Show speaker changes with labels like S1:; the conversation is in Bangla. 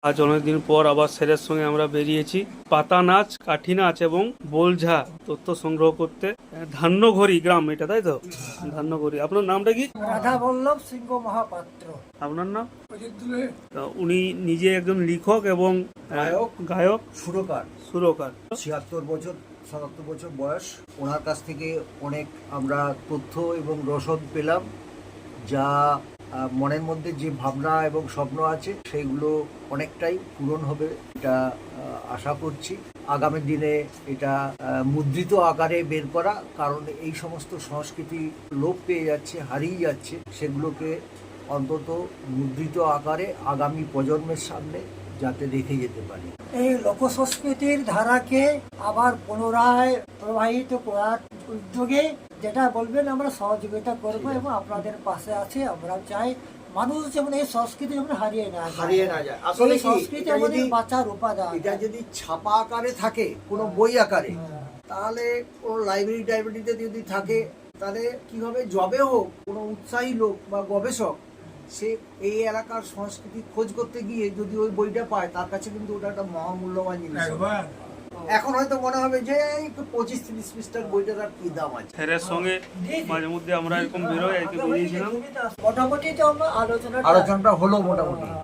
S1: আজ অনেকদিন পর আবার স্যারের সঙ্গে আমরা বেরিয়েছি পাতা নাচ, কাঠি নাচ এবং বোলঝা তথ্য সংগ্রহ করতে। ধান্যঘড়ি গ্রাম এটা, তাই তো? ধান্যঘড়ি। আপনার নামটা কি?
S2: রাধা বল্লভ সিংহ মহাপাত্র।
S1: আপনার নাম? তা উনি নিজে একজন লেখক এবং গায়ক, সুরকার।
S3: 76-77 বয়স। ওনার কাছ থেকে অনেক আমরা তথ্য এবং রসদ পেলাম, যা মনের মধ্যে যে ভাবনা এবং স্বপ্ন আছে সেইগুলো অনেকটাই পূরণ হবে এটা আশা করছি। আগামী দিনে এটা মুদ্রিত আকারে বের করা, কারণ এই সমস্ত সংস্কৃতি লোপ পেয়ে যাচ্ছে, হারিয়ে যাচ্ছে। সেগুলোকে অন্তত মুদ্রিত আকারে আগামী প্রজন্মের সামনে যাতে রেখে যেতে পারি।
S2: এই লোকসংস্কৃতির ধারাকে আবার পুনরায় প্রবাহিত করার উদ্যোগে যেটা বলবেন আমরা সহযোগিতা করব এবং আপনাদের পাশে আছে। আমরা চাই মানুষ যেমন এই সংস্কৃতি যেমন হারিয়ে না
S3: যায়। আসলে
S2: এই সংস্কৃতি আমাদের বাঁচার উপাদান।
S3: এটা যদি ছাপা আকারে থাকে, কোনো বই আকারে, তাহলে কোনো লাইব্রেরিতে যদি থাকে, তাহলে কি হবে, যবে হোক কোনো উৎসাহী লোক বা গবেষক সে এই এলাকার সংস্কৃতি খোঁজ করতে গিয়ে যদি ওই বইটা পায়, তার কাছে কিন্তু ওটা একটা মহামূল্যবান জিনিস। এখন হয়তো মনে হবে যে 25-30 পৃষ্ঠার বইটার আর কি দাম আছে।
S1: স্যারের সঙ্গে মাঝে মধ্যে আমরা এরকম বেরোই, আর কি বেরিয়েছিলাম।
S2: মোটামুটি তো আমরা আলোচনাটা
S3: হলো মোটামুটি।